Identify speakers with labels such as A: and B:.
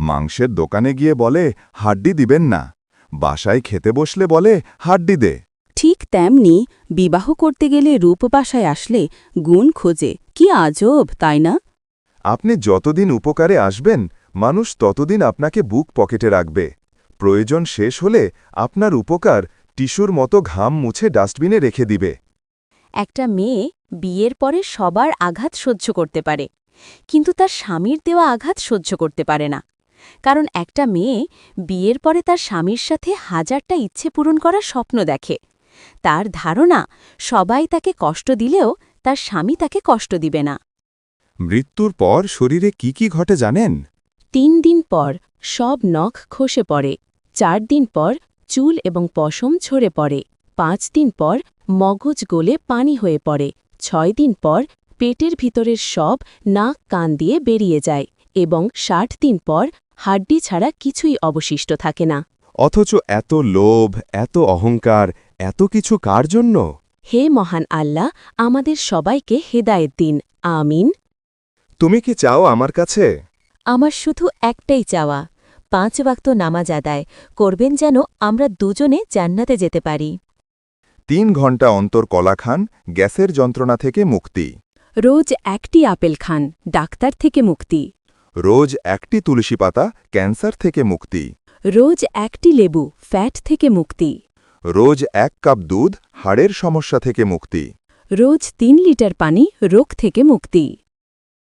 A: মাংসের দোকানে গিয়ে বলে হাড্ডি দিবেন না, বাসায় খেতে বসলে বলে হাড্ডি দে।
B: ঠিক তেমনি বিবাহ করতে গেলে রূপ বাসায় আসলে গুণ খোঁজে। কি আজব, তাই না?
A: আপনি যতদিন উপকারে আসবেন, মানুষ ততদিন আপনাকে বুক পকেটে রাখবে। প্রয়োজন শেষ হলে আপনার উপকার টিস্যুর মতো ঘাম মুছে ডাস্টবিনে রেখে দিবে।
B: একটা মেয়ে বিয়ের পরে সবার আঘাত সহ্য করতে পারে, কিন্তু তার স্বামীর দেওয়া আঘাত সহ্য করতে পারে না। কারণ একটা মেয়ে বিয়ের পরে তার স্বামীর সাথে হাজারটা ইচ্ছে পূরণ করার স্বপ্ন দেখে। তার ধারণা সবাই তাকে কষ্ট দিলেও তার স্বামী তাকে কষ্ট দিবে না।
A: মৃত্যুর পর শরীরে কি কি ঘটে জানেন?
B: ৩ দিন পর সব নখ খসে পড়ে, ৪ দিন পর চুল এবং পশম ঝরে পড়ে, ৫ দিন পর মগজ গলে পানি হয়ে পড়ে, ৬ দিন পর পেটের ভিতরের সব নাক কান দিয়ে বেরিয়ে যায় এবং ৬০ দিন পর হাড্ডি ছাড়া কিছুই অবশিষ্ট থাকে না।
A: অথচ এত লোভ, এত অহংকার, এত কিছু কার জন্য?
B: হে মহান আল্লাহ, আমাদের সবাইকে হেদায়েত দিন। আমিন।
A: তুমি কি চাও আমার কাছে?
B: আমার শুধু একটাই চাওয়া, ৫ ওয়াক্ত নামাজ আদায় করবেন যেন আমরা দুজনে জান্নাতে যেতে পারি।
A: ৩ ঘণ্টা অন্তর কলা খান, গ্যাসের যন্ত্রণা থেকে মুক্তি।
B: রোজ একটি আপেল খান, ডাক্তার থেকে মুক্তি।
A: রোজ একটি তুলসী পাতা, ক্যান্সার থেকে মুক্তি।
B: রোজ একটি লেবু, ফ্যাট থেকে মুক্তি।
A: রোজ ১ কাপ দুধ, হাড়ের সমস্যা থেকে মুক্তি।
B: রোজ ৩ লিটার পানি, রোগ থেকে মুক্তি।